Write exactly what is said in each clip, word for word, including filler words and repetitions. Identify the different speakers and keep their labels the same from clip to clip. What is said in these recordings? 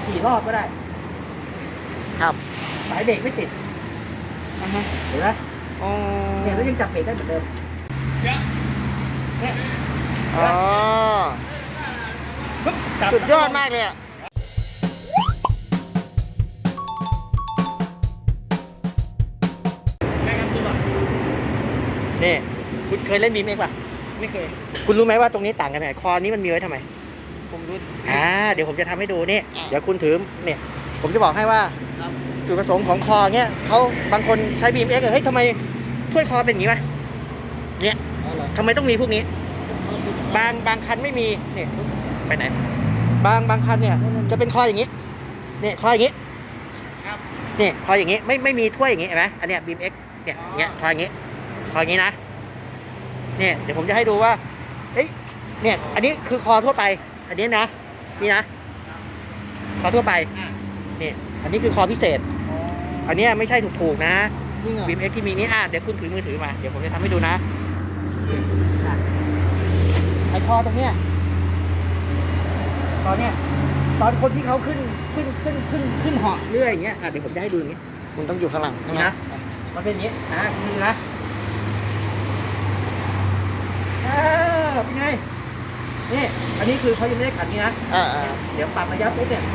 Speaker 1: กี่รอบก็ได้
Speaker 2: ครับ
Speaker 1: สายเบรกไม่ติด
Speaker 2: อ่าฮะ
Speaker 1: เห็นไหม
Speaker 2: อ๋อ
Speaker 1: เนี่ยแล้วยังจับเบรกได้เหมือนเดิมเนี่ย
Speaker 2: อ๋อสุดยอดมากเลยอ่ะนี่คุณเคยเล่นบีเอ็มเอ็กซ์ป่ะ
Speaker 1: ไม่เคย
Speaker 2: คุณรู้ไหมว่าตรงนี้ต่างกันไหนคอนี้มันมีไว้ทำไม
Speaker 1: ผมรู้
Speaker 2: อ่าเดี๋ยวผมจะทำให้ดูนี่เดี๋ยวคุณถือเนี่ยผมจะบอกให้ว่าจุดประสงค์ของคอเนี้ยเขาบางคนใช้ บี เอ็ม เอ็กซ์ เฮ้ยทำไมถ้วยคอเป็นอย่างนี้วะเนี่ยทำไมต้องมีพวกนี้ บางบางคันไม่มีเนี่ยไปไหนบางบางคันเนี่ยจะเป็นคออย่างนี้เนี่ยคออย่างนี้เนี่ยคออย่างนี้ไม่ไม่มีถ้วยอย่างนี้เห็นไหมอันเนี้ย บี เอ็ม เอ็กซ์ เนี่ยอย่างเงี้ยคออย่างนี้คออย่างนี้นะเนี่ยเดี๋ยวผมจะให้ดูว่าเอ้ยเนี่ยอันนี้คือคอทั่วไปอันนี้นะนี่นะคอทั่วไปนี่อันนี้คือคอพิเศษอันนี้ไม่ใช่ถูกๆนะ บี เอ็ม เอ็กซ์ ที่มีนี้อ่ะเดี๋ยวคุณถือมือถือมาเดี๋ยวผมจะทำให้ดูนะไอคอตรงเนี้ยตอนเนี้ยตอนคนที่เขาขึ้นขึ้นขึ้นขึ้นขึ้นเหาะเรื่อยอย่างเงี้ยอ่ะเดี๋ยวผมจะให้ดูอย่างงี้คุณต้องอยู่ข้างหลังนะมันเป็นอย่างงี้นะคุณดูนะเออเป็นไงนี่อันนี้คือเขายังไม่ได้ขันนี้นะเดี๋ยวปรับระยะปุ๊บเนี่ย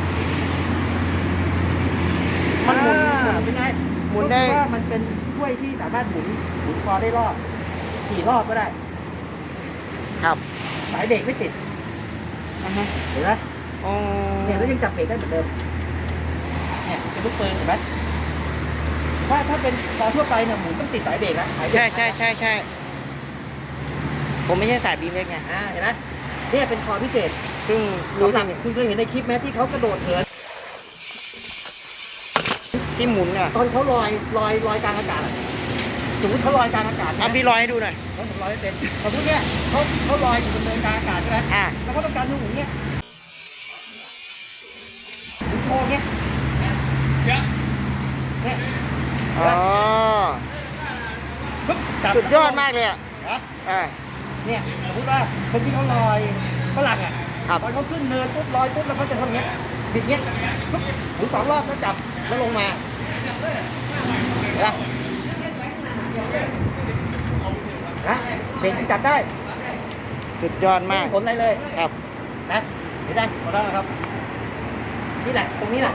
Speaker 2: มันหมุนเป็นไงหมุนได้ว่ามันเป็นถ้วยที่สามารถหมุนหมุนคอได้รอบกี่รอบก็ได้ครับสายเบรกไม่ติดอ่าฮะเห็นไหมอ๋อเนี่ยแล้วยังจับเบรกได้เหมือนเดิมเนี่ยเป็นลูกปืนเห็นไหมถ้าถ้าเป็นคอทั่วไปเนี่ยหมุนต้องติดสายเบรกนะใช่ใช่ใช่ใช่ผมไม่ใช่สายบีเอ็กซ์ไงอ่าเห็นไหมเนี่ยเป็นคอพิเศษซึ่งรู้จักคุณเคยเห็นในคลิปไหมที่เขากระโดดเหินที่หมุนอ่ะตอนเขาลอยลอยลอยกลางอากาศสมมติเขาลอยกลางอากาศอ่ะพี่ลอยให้ดูหน่อยเขาผมลอยไม่เป็นสมมติเนี่ยเขาเขาลอยอยู่บนเนินกลางอากาศใช่ไหมอ่าแล้วเขาต้องการหมุนเนี่ยหมุนโชว์เนี่ยเนี่ยอ๋อสุดยอดมากเลยอ่ะอ่าเนี่ยสมมติว่าคนที่เขาลอยฝรั่งอ่ะตอนเขาขึ้นเนินปุ๊บลอยปุ๊บแล้วเขาจะทำเงี้ยบิดเงี้ยปุ๊บหมุนสองรอบแล้วจับแล้วลงมาเห็นไหมนะเบรกจับได้สุดยอดมากผลอะไรเลยครับนะเห็นได้พอได้ครับนี่แหละตรงนี้แหละ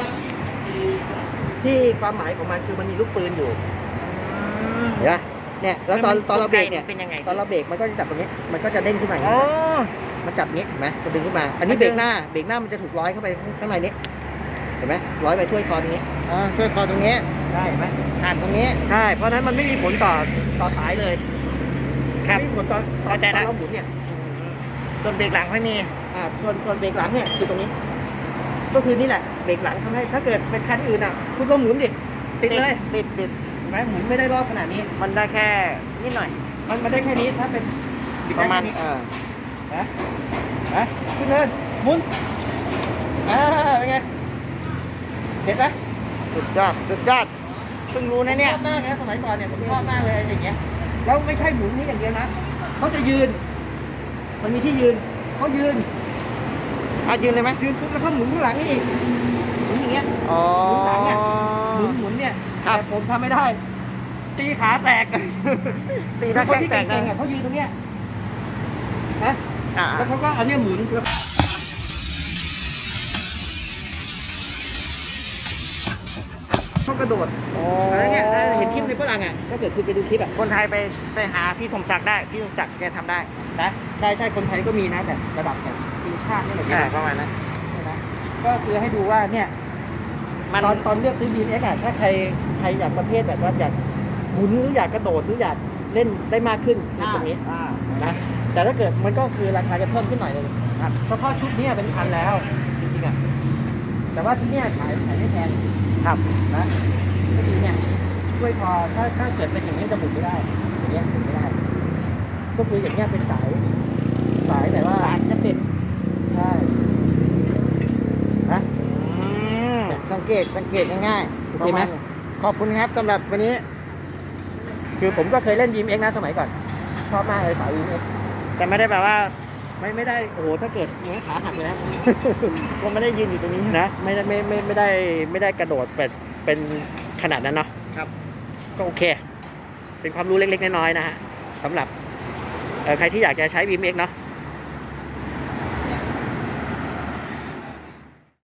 Speaker 2: ที่ความหมายของมันคือมันมีลูกปืนอยู่เห็นไหมเนี่ยแล้วตอนตอนเราเบรกเนี่ยตอนเราเบรกมันก็จะจับตรงนี้มันก็จะเด้งขึ้นมาอย่างนี้มันจับนี้เห็นไหมจะดึงขึ้นมาอันนี้เบรกหน้าเบรกหน้ามันจะถูกร้อยเข้าไปข้างในนี้เห็นไหมร้อยไปถ้วยคอตรงนี้อ่าถ้วยคอตรงนี้ใช่ไหมผ่านตรงนี้ใช่เพราะนั้นมันไม่มีผลต่อต่อสายเลยครับไม่มีผลต่อต่อใจนะเราหมุนเนี่ยส่วนเบรกหลังไม่มีอ่าส่วนส่วนเบรกหลังเนี่ยคือตรงนี้ก็คือนี่แหละเบรกหลังทำให้ถ้าเกิดเป็นคันอื่นอ่ะคุณก็หมุนดิติดเลยติดติดเห็นไหมหมุนไม่ได้รอบขนาดนี้มันได้แค่นิดหน่อยมันมันได้แค่นี้ถ้าเป็นประมาณเออนะนะขึ้นเนินหมุนอ่าเป็นไงเห็นไหมสุดยอดสุดยอดเพิ่งรู้นะเนี่ยชอบมากนะสมัยก่อนเนี่ยผมชอบมากเลยอย่างเงี้ยแล้วไม่ใช่หมุนนี้อย่างเดียวนะเขาจะยืนมันมีที่ยืนเขายืนอ่ะยืนเลยไหมยืนปุ๊บแล้วเขาหมุนข้างหลังนี่อีกหมุนอย่างเงี้ยอ๋อหมุนหลังเนี่ยหมุนหมุนเนี่ยแต่ผมทำไม่ได้ตีขาแตกตีแล้วคนที่เก่งๆอ่ะเขายืนตรงเนี้ยนะแล้วเขาก็เอาเนี่ยหมุนเขากระโดดอะไรเงี้ยเห็นคลิปในฝรั่งอ่ะถ้าเกิดคุณไปดูคลิปอ่ะคนไทยไปไปหาพี่สมศักดิ์ได้พี่สมศักดิ์แกทำได้นะใช่ใช่คนไทยก็มีนะแบบระดับแบบทีมชาตินี่แหละประมาณนั้นนะก็คือให้ดูว่าเนี่ยตอนตอนเลือกซื้อ บี เอ็ม เอ็กซ์ อ่ะถ้าใครใครอยากประเภทแบบว่าอยากหมุนหรืออยากกระโดดหรืออยากเล่นได้มากขึ้นคือตรงนี้นะแต่ถ้าเกิดมันก็คือราคาจะเพิ่มขึ้นหน่อยนึงครับเฉพาะชุดนี้เป็นพันแล้วจริงๆอ่ะแต่ว่าชุดนี้ขายขายไม่แพงครับนะก็ดีเนี่ยด้วยคอถ้าถ้าเกิดเป็นอย่างนี้จะหมุนไม่ได้อย่างนี้หมุนไม่ได้ก็คืออย่างเงี้ยเป็นสายสายแต่ว่าสายจะเป็นใช่นะสังเกตสังเกตง่ายๆโอเคไหมขอบคุณครับสำหรับวันนี้คือผมก็เคยเล่น บี เอ็ม เอ็กซ์ นะสมัยก่อนชอบมากเลยสาย บี เอ็ม เอ็กซ์ แต่ไม่ได้แบบว่าไม่ไม่ได้โอ้โหถ้าเกิดเนื้อขาหักเลยนะ
Speaker 3: ก็ไม่ได้ยืนอยู่ตรงนี้
Speaker 2: นะไม่ได้ไม่ไม่ไม่ได้ไม่ได้กระโดดเป็นเป็นขนาดนั้นเนาะ
Speaker 1: ครับ
Speaker 2: ก็โอเค เป็นความรู้เล็กๆน้อยๆนะฮะสำหรับเอ่อใครที่อยากจะใช้ บี เอ็ม เอ็กซ์ เนาะ